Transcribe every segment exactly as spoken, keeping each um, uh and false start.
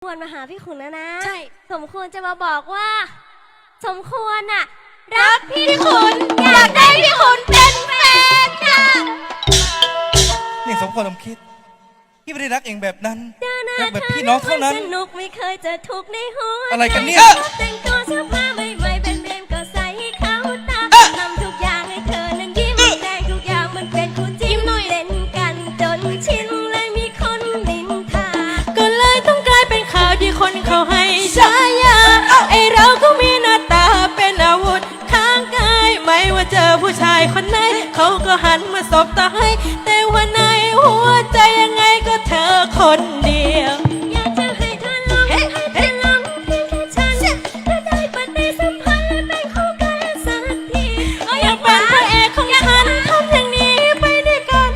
ควรมาหาพี่ขุนนะนะใช่สมควรจะมาบอกว่า สมควรน่ะรักพี่ขุนอยากได้พี่ขุนเป็นแฟนค่ะนี่สมควรสมคิดพี่ไม่ได้รักเองแบบนั้นเดินหน้ารักแบบพี่น้องเท่านั้นสนุกไม่เคยจะทุกข์ในหัวอะไรกันเนี่ยแต่งตัวเสื้อผ้าใหม่ๆเป็นเบรมก็ใส่ให้เขาตาทำทุกอย่างให้เธอนั้นยิ้มแดงทุกอย่างมันเป็นคู่จิ้มเล่นกันจนชินเลยมีคนนินทาก็เลยต้องกลายเป็นข่าวที่คนเขาให้ฉายาไอเราก็มีหน้าตาเป็นอาวุธข้างกายไม่ว่าเจอผู้ชายคนไหนเขาก็หันมาสบตาให้แต่ว่าในหัวใจยังไงก็เธอคนเดียวอยากจะให้เธอลองให้เธอลองเพียงแค่ฉันถ้าได้ปฏิสัมพันธ์และเป็นคู่กันสักทีอยากเป็นพระเอกของฉันทำอย่างนี้ไปด้วยกัน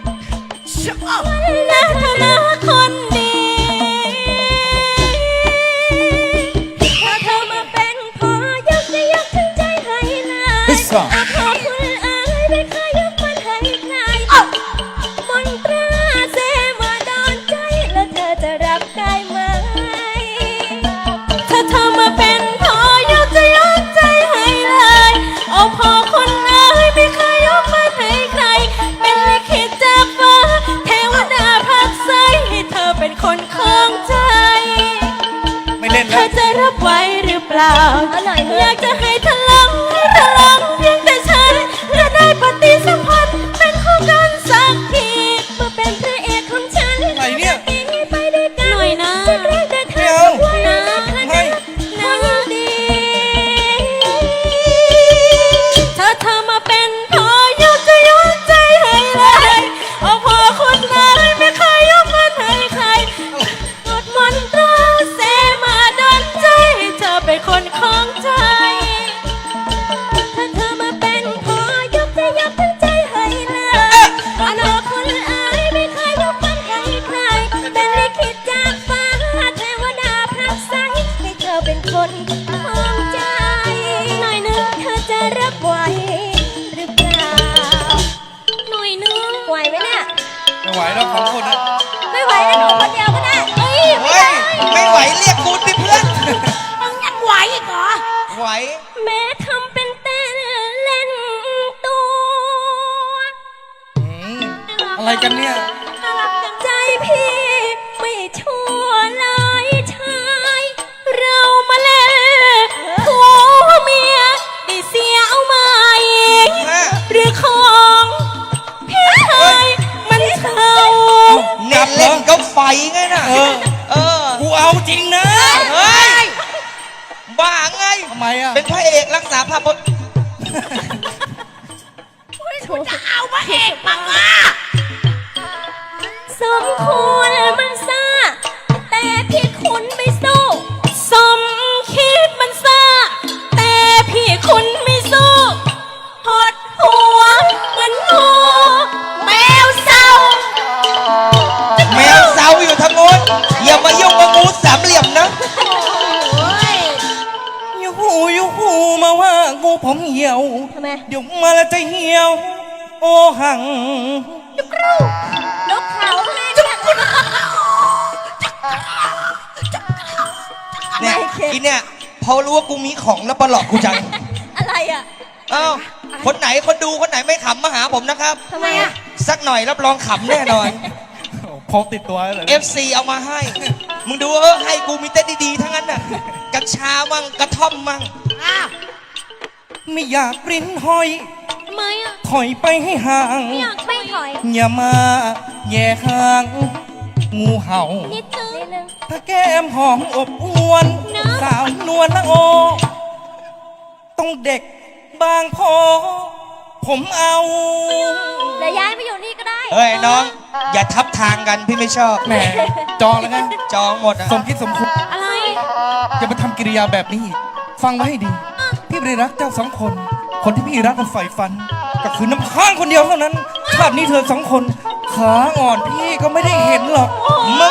นะเธอนะคนดีถ้าเธอมาเป็นพอยกจะยกทั้งใจให้เลยอาขอคุณเอ๋ยไม่เคยยกมันให้ใครมนตราเสมาโดนใจแล้วเธอจะรับได้ไหมถ้าเธอมาเป็นพอยกจะยกใจให้เลยโอ้พอคนเอ๋ยไม่เคยยกมันให้ใครเป็นลิขิตจากฟ้าเทวดาพักใสให้เธอเป็นคนของใจไม่เล่นเธแล้วอจะรับไว้หรือเปล่าเอาหน่อยเถอะอยากจะให้เธอลองให้เธอลองเพียงแต่ฉันและได้ปฏิสัมพันธ์เป็นคู่กันสักทีมาเป็นพระเอกของฉันอะไรเนี่ยปีนี้ไปด้วยกันหน่อยนะจะเรียกแต่เธไม่อเอาทุกวันนะไม่นะดีถ้าเธอมาเป็นพอยกจะยกใจให้เลยโอ้พอคนนั้นไม่เคยยกมันให้ใครกดมนตราเสมาดนใจให้เธอเป็นคนของใจถ้าเธอมาเป็นพอยกจะยกทั้งใจให้เลยอนาคตเอ๋ยไม่เคยยกมันให้ใครเป็นลิขิตจากฟ้าเทวดาพระใสให้เธอเป็นคนของใจหน่อยนึงเธอจะรับไหวหรือเปล่าหน่อยนึงไหวไหมเนี่ยไม่ไหวแล้วสองคนนะไม่ไหวแล้วหนูคนเดียวก็ได้เฮ้ยไม่เฮ้ยได้ไม่ไหวเรียกกูสิเพื่อนมึงยังไหวอีกเหรอไหวแม้ทำเป็นเต้นเล่นตัวอืมอะไรกันเนี่ยใจพี่ไม่ชั่วเลยชายเรามาเล่นผัวเมียได้เสียเอาไหมหรือของพี่ชายมันเท่าเน้นเล่นก็ไฟไงน่ะเออเออกูเอาจริงนะเฮ้ย บ้าไงทำไมอ่ะเป็นพระเอกรักษาภาพพจน์จะเอาพระเอกมาอ่ะสมควรมันซ่าแต่พี่คุณไม่สู้สมคิดมันซ่าแต่พี่คุณไม่สู้หดหัวเหมือนงูแมวเศร้าแมวเซาอยู่ทางโน้นอย่ามายุ่งกับงูสามเหลี่ยมนะยูหูยูหูมาว่ากูผมเหี่ยวทำไมเดี๋ยวมาแล้วจะเหี่ยว โอหังนกเขาทำไมจุกคุณเนี่ยอีเนี่ยพอรู้ว่ากูมีของแล้วประหลอกกูจังอะไรอ่ะเอ้าคนไหนคนดูคนไหนไม่ขำมาหาผมนะครับทำไมอ่ะสักหน่อยรับรองขำแน่นอนพกติดตัวเลยเอฟ ซี เอามาให้ มึงดูเออให้กูมีเต้นดีๆทั้งนั้นน่ะกัญชามั่งกระท่อมมั่งไม่อยากริ้นห้อยทำไมอ่ะถอยไปให้ห่างอยากไม่ถอยอย่ามาแย่ห่าง งูเห่านิดนึงนิดนึงถ้าแก้มหอมอบอวนนะสาวนวลละโอ ต้องเด็กบางพอ ผมเอาแล้วย้ายไปอยู่นี่ก็ได้เฮ้ยน้อง อย่าทับทางกันพี่ไม่ชอบแหมจองแล้วไงจองหมดอ่ะสมคิดสมควรอะไรอย่ามาทำกิริยาแบบนี้อีกฟังไว้ให้ดี พี่ไม่ได้รักเจ้าสองคน คนที่พี่รักกันใฝ่ฝัน ก็คือน้ำค้างคนเดียวเท่านั้นชาตินี้เธอสองคน ขาอ่อนพี่ก็ไม่ได้เห็นหรอกมึ